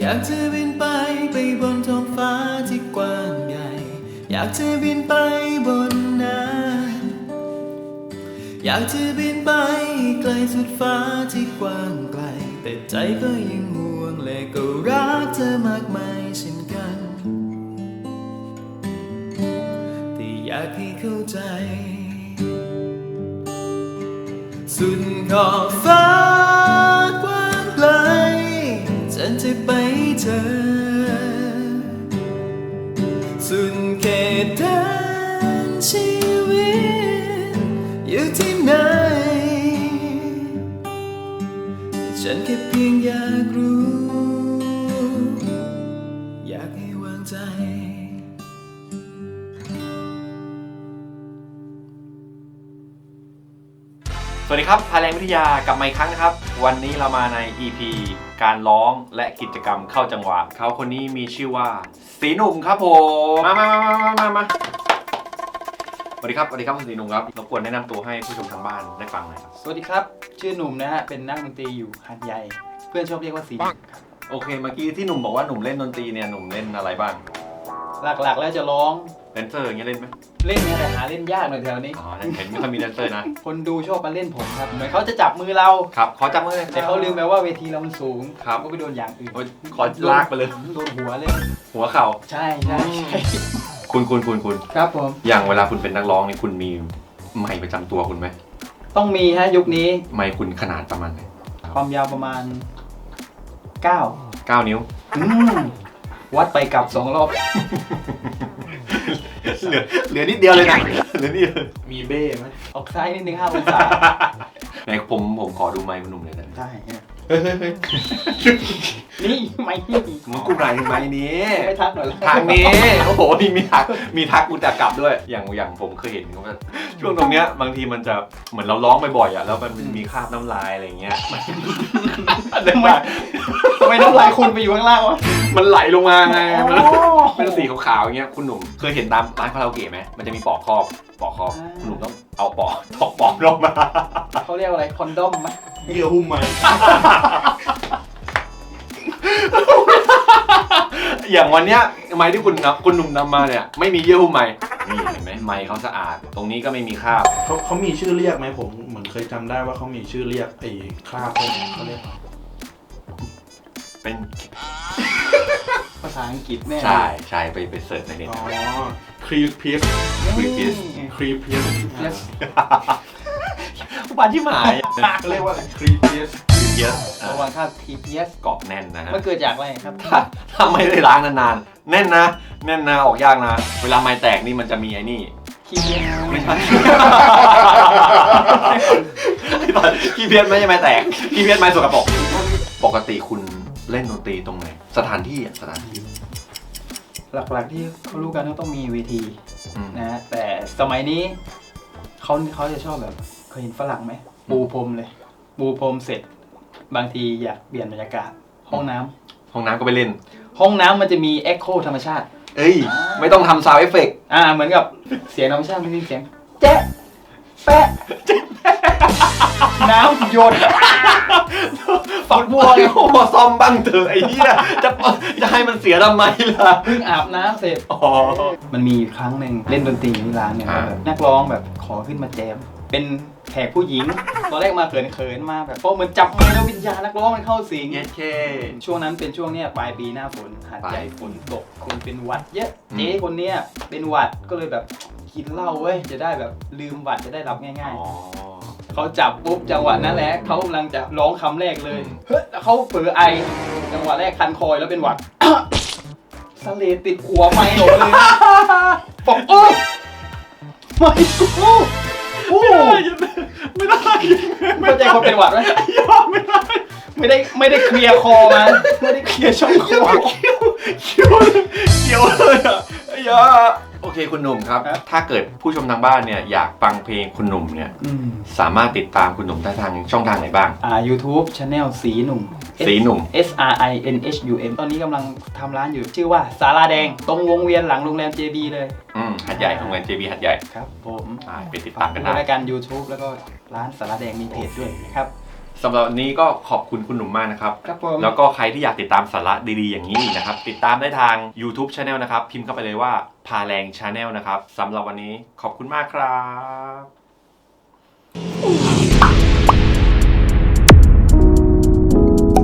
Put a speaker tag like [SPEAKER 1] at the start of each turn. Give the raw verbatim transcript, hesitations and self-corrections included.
[SPEAKER 1] ากจะบินไปไปบนท้องฟ้าที่กว้างใหญ่อยากจะบินไปบนนั้นอยากจะบินไปไกลสุดฟ้าที่กว้างไกลแต่ใจก็ยังห่วงและก็รักเธอมากมายเช่นกันแต่อยากให้เข้าใจสุดขอบฟ้ากว้างไกลฉันจะไปเจอสุดเขตแดนชีวิตอยู่ที่ไหนฉันแค่เพียงอยากรู้อยากให้วางใจ
[SPEAKER 2] สวัสดีครับพาแรงวิทยากลับมาอีกครั้งนะครับวันนี้เรามาใน อี พี การร้องและกิจกรรมเข้าจังหวะเขาคนนี้มีชื่อว่าสีหนุ่มครับผมมามามามามามาสวัสดีครับสวัสดีครับคุณสีหนุ่มครับรบกวนแนะนำตัวให้ผู้ชมทางบ้านได้ฟังหน่อยครับ
[SPEAKER 3] สวัสดีครับชื่อหนุ่มนะฮะเป็นนักดนตรีอยู่หาดใหญ่เพื่อนชอบเรียกว่าสีครับ
[SPEAKER 2] โอเคเมื่อกี้ที่หนุ่มบอกว่าหนุ่มเล่นดนตรีเนี่ยหนุ่มเล่นอะไรบ้าง
[SPEAKER 3] หลักๆแล้วจะร้อง
[SPEAKER 2] แดนเซอร์อย่างเงี้ยเล่นไหม
[SPEAKER 3] เล่นเนี่ยแต่หาเล่นยากหน่อยแถวนี้
[SPEAKER 2] อ๋อเห็นไม่ค่อยมีแดนเซอร์นะ
[SPEAKER 3] คนดูชอบมาเล่นผมครับเหมือนเขาจะจับมือเรา
[SPEAKER 2] ครับขอจับมือเลย
[SPEAKER 3] แต่เขาลืมไปว่าเวทีเรามันสูง
[SPEAKER 2] ครับ
[SPEAKER 3] ก็ไปโดนอย่างอื่น
[SPEAKER 2] ขอลากไปเลย
[SPEAKER 3] โดนหัวเลย
[SPEAKER 2] หัวเข่า
[SPEAKER 3] ใช่ใช่
[SPEAKER 2] คุณคุณคุณคุณ
[SPEAKER 3] ครับผม
[SPEAKER 2] อย่างเวลาคุณเป็นนักร้องนี่คุณมีไมค์ประจำตัวคุณไหม
[SPEAKER 3] ต้องมีฮะยุคนี้
[SPEAKER 2] ไมค์คุณขนาดประมาณไหน
[SPEAKER 3] ความยาวประมาณเก้า
[SPEAKER 2] เก้านิ้ว
[SPEAKER 3] อืมวัดไปกลับสองรอบ
[SPEAKER 2] เหลือเหลือนิดเดียวเลยนะเหลือนิดเดียว
[SPEAKER 3] มีเบ้ไหมออกซ้ายนิดนึงห้าองศา
[SPEAKER 2] ไหนผมผมขอดูไมค์คุณหนุ่มเลยนะ
[SPEAKER 3] ได้เฮ้ยเฮ้ยเฮ้ยนี่ไมค์นี่
[SPEAKER 2] มันกูไหนไมค์นี้
[SPEAKER 3] ไม่ทักหน่อย
[SPEAKER 2] ทางนี้โอ้โหนี่มีทักมีทักกูจะกลับด้วยอย่างอย่างผมเคยเห็นว่าช่วงตรงเนี้ยบางทีมันจะเหมือนเราร้องบ่อยๆอ่ะแล้วมันมีคราบน้ำลายอะไรเงี้ย
[SPEAKER 3] ทำไมทำไมน้ำลายคุณไปอยู่ข้างล่างวะ
[SPEAKER 2] มันไหลลงมาไงมันเป็นสีขาวๆอย่างเงี้ยคุณหนุ่มเคยเห็นตามร้านคาราโอเกะไหมมันจะมีปอกครอบปอกครอบคุณหนุ่มต้องเอาปอกถอกปอกลงมา
[SPEAKER 3] เขาเรียกอะไรคอนดอมไหม
[SPEAKER 2] เยื่อหุ้มไหมอย่างวันเนี้ยไม้ที่คุณคุณหนุ่มนำมาเนี่ยไม่มีเยื่อหุ้มไม้นี่เห็นไหมไม้เขาสะอาดตรงนี้ก็ไม่มีคราบ
[SPEAKER 4] เขาเขามีชื่อเรียกไหมผมเหมือนเคยจำได้ว่าเขามีชื่อเรียกไอ้คราบพวกนี้เขาเรียก
[SPEAKER 2] เป็น
[SPEAKER 3] ภาษาอังกฤษแน่
[SPEAKER 2] ใช่ใช่ไปไปเสิร์ชในเน็ต
[SPEAKER 4] อ๋อครีพีส
[SPEAKER 2] ครีพีส
[SPEAKER 4] ครีพีส
[SPEAKER 2] อุปาที่หมาย
[SPEAKER 4] เขาเรียกว่าครีพีส
[SPEAKER 2] ครีพีส
[SPEAKER 3] ระวังค่า ที พี เอส
[SPEAKER 2] เกาะแน่นนะฮะ
[SPEAKER 3] มันเกิดจากอะไรครับ
[SPEAKER 2] ถ้าถ้าไม่ได้ล้างนานๆแน่นนะแน่นนะออกยากนะเวลาไม้แตกนี่มันจะมีไอ้นี่
[SPEAKER 3] ขี้เพี้ยน
[SPEAKER 2] ไม่ใช่ขี้เพี้ยนไม่ใช่ไม้แตกขี้เพี้ยนไม้สกปรกปกติคุณเล่นดนตรีตรงไหนสถานที่อ่ะสถานที่
[SPEAKER 3] หลักๆที่เขารู้กันก็ต้องมีเวทีนะแต่สมัยนี้เขาเขาจะชอบแบบเคยเห็นฝรั่งไหมปูพรมเลยปูพรมเสร็จบางทีอยากเปลี่ยนบรรยากาศห้องน้
[SPEAKER 2] ำห้องน้ำก็ไปเล่น
[SPEAKER 3] ห้องน้ำมันจะมีเอ็กโคธรรมชาติ
[SPEAKER 2] เอ้ยไม่ต้องทำซาวด์เอฟเฟกต์
[SPEAKER 3] อ่าเหมือนกับเสียงธรรมชาติไม่มีเสียงแจ๊ะแปะน้ำหยด
[SPEAKER 2] ฝักบัวโอ้ซ่อมบ้างเถอะไอ้เหี้ยจะจะให้มันเสียทำไมล่ะ
[SPEAKER 3] เพิ่งอาบน้ำเสร็จ
[SPEAKER 2] อ๋อ
[SPEAKER 3] มันมีครั้งหนึ่งเล่นดนตรีที่ร้านเนี่ยแบบนักร้องแบบขอขึ้นมาแจมเป็นแขกผู้หญิงตอนแรกมาเขินๆมาแบบเพราะเหมือนจับมือแล้ววิญญาณนักร้องมันเข้าสิง
[SPEAKER 2] เย้เค
[SPEAKER 3] ช่วงนั้นเป็นช่วงเนี้ยปลายปีหน้าฝนหาดใหญ่ฝนตกคนเป็นหวัดเยอะเจ๊คนเนี้ยเป็นหวัดก็เลยแบบกินเหล้าเว้ยจะได้แบบลืมหวัดจะได้รับง่ายๆเขาจับปุ๊บจังหวะนั้นแหละเขากำลังจะร้องคำแรกเลยเฮ้ยเขาเผลอไอจังหวะแรกคันคอยแล้วเป็นหวัดสเลดติดหัวไมค์หมดเลยบอกโอ้ไม่กู
[SPEAKER 2] ไม่ได้ไม่ได้
[SPEAKER 3] เข้าใจคนเป็นหวัดไหม
[SPEAKER 2] ยอมไม่ได้
[SPEAKER 3] ไม่ได้ไม่ได้เคลียร์คอมาไม่ได้เคลียร์ช่องคอ
[SPEAKER 2] เคี้ยวเคี้ยวเคี้ยวเลยอ่ะยาโอเคคุณหนุ่มครับถ้าเกิดผู้ชมทางบ้านเนี่ยอยากฟังเพลงคุณหนุ่มเนี่ยสามารถติดตามคุณหนุ่มได้ทางช่องทางไหนบ้าง
[SPEAKER 3] อ่า YouTube Channel สีหนุ่ม
[SPEAKER 2] สีหนุ่ม
[SPEAKER 3] S R I N H U M ตอนนี้กำลังทำร้านอยู่ชื่อว่าศาลาแดงตรงวงเวียนหลังโรงแรม เจ บี เลย
[SPEAKER 2] อืมหัดใหญ่โรงแรม เจ บี หัดใหญ่
[SPEAKER 3] ครับผม
[SPEAKER 2] ไปติดตามกันได้
[SPEAKER 3] รายการ YouTube แล้วก็ร้านศาลาแดงมีเพจด้วยนะครับ
[SPEAKER 2] สำหรับวันนี้ก็ขอบคุณคุณหนุ่มมากนะครับ
[SPEAKER 3] ครับผม
[SPEAKER 2] แล้วก็ใครที่อยากติดตามสาระดีๆอย่างนี้อีกนะครับ ติดตามได้ทาง YouTube Channel นะครับ พิมพ์เข้าไปเลยว่าพาแรง Channel นะครับสำหรับวันนี้ขอบคุณมากครับ